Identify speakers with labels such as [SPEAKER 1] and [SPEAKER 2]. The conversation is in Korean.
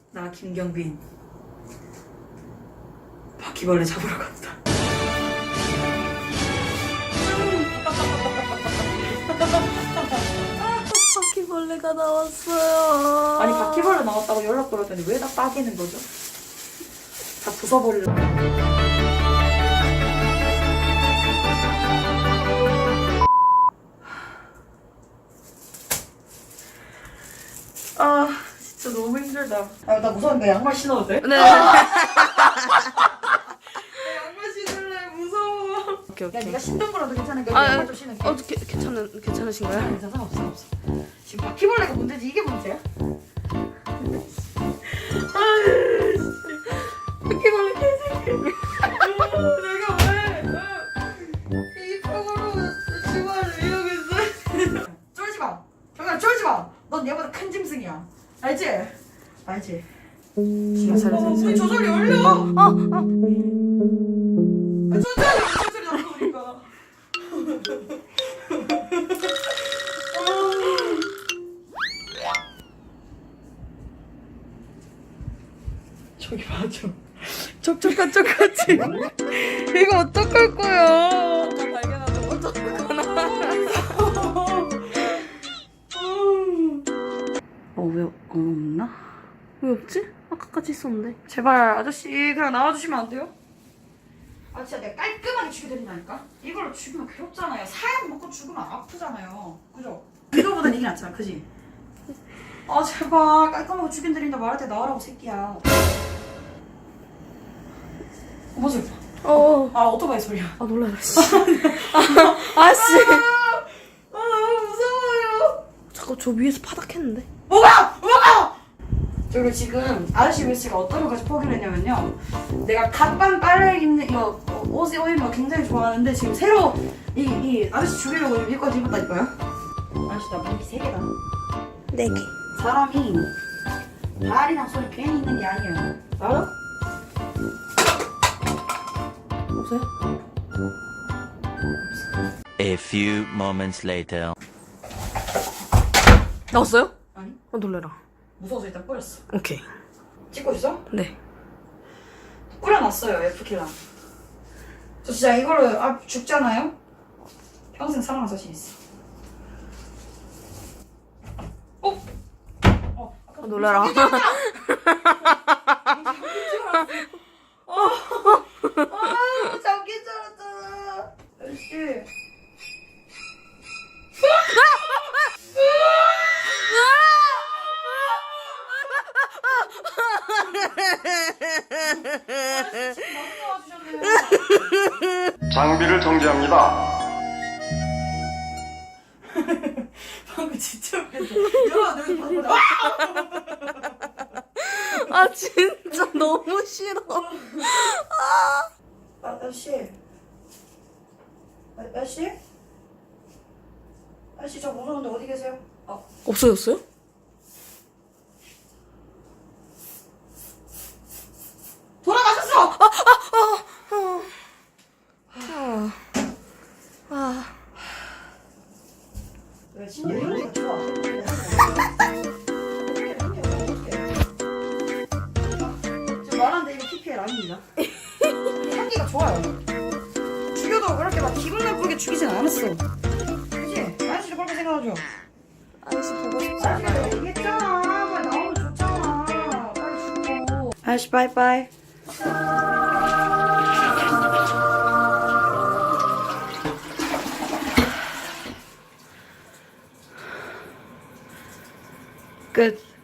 [SPEAKER 1] 나 김경빈 바퀴벌레 잡으러 간다.
[SPEAKER 2] 바퀴벌레가 나왔어요.
[SPEAKER 1] 아니 바퀴벌레 나왔다고 연락 걸었더니 왜 다 따기는 거죠? 다 부숴버리려고. 아 진짜 너무 힘들다. 아 나 무서운데 양말 신어도 돼?
[SPEAKER 2] 네.
[SPEAKER 1] 양말 신을래. 무서워.
[SPEAKER 2] 오케이
[SPEAKER 1] 야
[SPEAKER 2] 오케이.
[SPEAKER 1] 네가 신던 거라도 괜찮으니까
[SPEAKER 2] 아,
[SPEAKER 1] 양말 좀 신을게.
[SPEAKER 2] 괜찮으신가요?
[SPEAKER 1] 괜찮아 없어. 지금 바퀴벌레가 문제지 이게 문제야? 바퀴벌레 개새끼. 내가 왜 이 폭으로 주말을 이용했어? 쫄지 마. 정말 쫄지 마. 넌 얘보다 큰 짐승이야. 알지? 알지? 문이 조절이 열려. 조절이 자꾸 오니까. 저기 봐줘.
[SPEAKER 2] 촉촉한 촉같이. 이거 어떡할 거야? 아까 발견하고 어떡하나?
[SPEAKER 1] 왜 없나?
[SPEAKER 2] 왜 없지? 아까까지 있었는데.
[SPEAKER 1] 제발 아저씨 그냥 나와주시면 안 돼요? 아 진짜 내가 깔끔하게 죽여드린다니까? 이걸로 죽으면 괴롭잖아요. 사약 먹고 죽으면 아프잖아요. 그죠? 이거보단 이게 낫잖아. 그지? 아 제발 깔끔하게 죽여드린다 말할 때 나와라고 새끼야. 뭐지? 아 오토바이 소리야.
[SPEAKER 2] 아 놀라라 씨. 아씨.
[SPEAKER 1] 아 너무 무서워요.
[SPEAKER 2] 자꾸 저 위에서 파닥했는데.
[SPEAKER 1] 뭐가! 그리고 지금 아저씨 미스가 어떤 것까지 포기를 했냐면요. 내가 갓방 빨래 입는 이거 옷 입는 거 굉장히 좋아하는데 지금 새로 이 아저씨 죽이려고 이거까지 입었다니까요. 아저씨 나 무기 3개다.
[SPEAKER 2] 4개.
[SPEAKER 1] 사람이 발이랑 손이 괜히 있는 게 아니에요. 알아? 없어요?
[SPEAKER 3] A few moments later.
[SPEAKER 2] 나왔어요?
[SPEAKER 1] 아니
[SPEAKER 2] 놀래라.
[SPEAKER 1] 무서워서 일단 뿌렸어.
[SPEAKER 2] 오케이.
[SPEAKER 1] 찍고 있어?
[SPEAKER 2] 네.
[SPEAKER 1] 뿌려놨어요 F킬랑. 저 진짜 이걸로 죽잖아요? 평생 사랑할 자신 있어.
[SPEAKER 2] 놀래라.
[SPEAKER 1] 잠긴 줄 알았잖아. 아저씨.
[SPEAKER 4] 장비를 정지합니다.
[SPEAKER 1] 방금 진짜 웃겼어. 야, 너 여기 봐봐.
[SPEAKER 2] 아 진짜 너무 싫어.
[SPEAKER 1] 아저씨. 아저씨? 아저씨 저 무서운데 어디 계세요?
[SPEAKER 2] 없어졌어요?
[SPEAKER 1] 돌아가셨어! 왜 진짜 이러니까 좋아. 지금 말하는데 이거 PPL 아닙니다. 향기가 좋아요. 죽여도 그렇게 막 기분 나쁘게 죽이진 않았어. 그치? 아저씨도 그렇게 생각하죠?
[SPEAKER 2] 아저씨 보고 싶지
[SPEAKER 1] 아저씨가 얘기했잖아. 빨리 나오면 좋잖아. 빨리 죽어. 아저씨 바이바이. 끝.